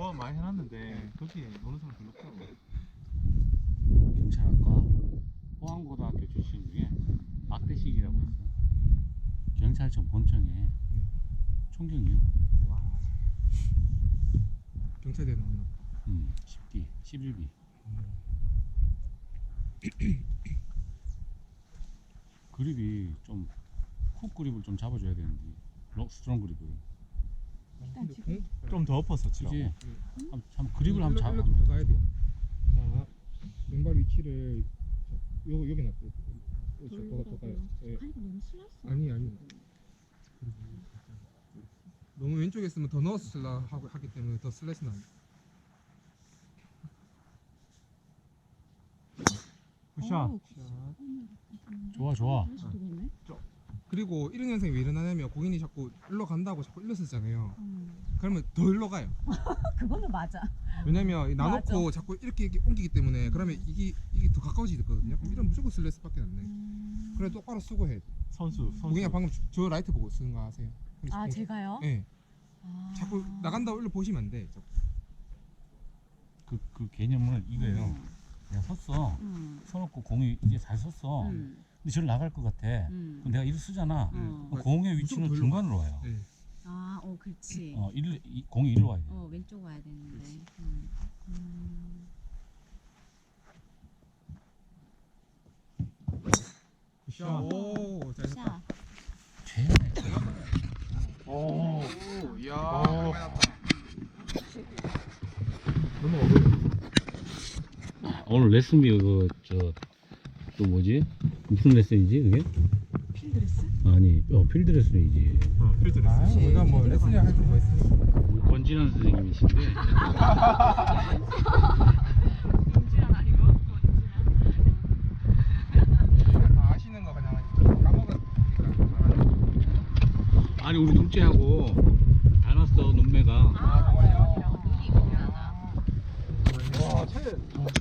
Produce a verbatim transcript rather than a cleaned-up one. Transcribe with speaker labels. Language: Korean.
Speaker 1: 뭐 많이 해놨는데 거기 노는 사람 별로 없더라고.
Speaker 2: 경찰학과 포항고등학교 출신 중에 박대식이라고 있어. 경찰청 본청에 총경이요.
Speaker 3: 와. 경찰대 나왔나?
Speaker 2: 음, 십 기, 십일 기. 그립이 좀 훅 그립을 좀 잡아줘야 되는데 록 스트롱 그립을.
Speaker 3: 근데 공?
Speaker 1: 좀 더 엎어서 치라고.
Speaker 2: 그지? 한, 한 그립을 한번 잡아.
Speaker 3: 일로 좀 더 가야 돼요. 자, 왼발 위치를 저, 요 여기 놨어요. 더, 더 가요. 예.
Speaker 4: 아니 이거 너무 슬라이스.
Speaker 3: 아니 아니. 너무 왼쪽에 있으면 더 넣어서 쓸라 하고 하기 때문에 더 슬래시 나.
Speaker 1: 굿샷.
Speaker 4: 어우,
Speaker 2: 좋아 좋아.
Speaker 4: 다시 들어오네.
Speaker 3: 그리고 이런 현상이 왜 일어나냐면 고객이 자꾸 일로 간다고 자꾸 일로 쓰잖아요.
Speaker 4: 음.
Speaker 3: 그러면 더 일로 가요.
Speaker 4: 그거는 맞아.
Speaker 3: 왜냐면 나놓고
Speaker 4: 맞아.
Speaker 3: 자꾸 이렇게, 이렇게 옮기기 때문에 그러면 이게 이게 더 가까워지거든요. 그럼 이런 무조건 슬래스밖에 안 돼.
Speaker 4: 음.
Speaker 3: 그래 똑바로 쓰고 해.
Speaker 1: 선수. 선수.
Speaker 3: 고객이 방금 저- 저 라이트 보고 쓰는 거 아세요?
Speaker 4: 아 제가요?
Speaker 3: 네.
Speaker 4: 아.
Speaker 3: 자꾸 나간다고 일로 보시면 안 돼. 자꾸.
Speaker 2: 그, 그 개념은 이거예요. 내가 섰어.
Speaker 4: 음.
Speaker 2: 서놓고 공이 이제 잘 섰어.
Speaker 4: 음.
Speaker 2: 근데 저를 나갈 것 같아.
Speaker 4: 음.
Speaker 2: 그럼 내가 이를 쓰잖아.
Speaker 4: 어.
Speaker 2: 그럼 공의 위치는
Speaker 3: 무조건
Speaker 2: 중간으로 와요.
Speaker 3: 네.
Speaker 4: 아, 어, 그렇지.
Speaker 2: 어, 일, 이, 공이 일로 와야 돼.
Speaker 4: 어, 왼쪽 와야 되는데. 음. 음.
Speaker 3: 자, 오, 잘했다.
Speaker 4: 샷.
Speaker 2: 최연의
Speaker 1: 오.
Speaker 3: 이야,
Speaker 1: 오.
Speaker 3: 너무 어려워.
Speaker 2: 오늘 레슨비 그저 또 뭐지? 무슨 레슨이지 그게?
Speaker 4: 필드레스?
Speaker 2: 아니 어 필드 레슨이지.
Speaker 1: 어, 필드 레슨.
Speaker 3: 아, 우리가 뭐 레슨이랑 할줄 뭐 있으니까.
Speaker 2: 우리 권진환 선생님이신데
Speaker 4: 윤지란 아니고 윤지란.
Speaker 3: 다 아시는 거 그냥 까먹었으니까.
Speaker 2: 아니 우리 둘째하고 닮았어 눈매가.
Speaker 4: 아,
Speaker 3: 정말요?
Speaker 4: 눈이 이쁘긴 하다.
Speaker 3: 와, 차에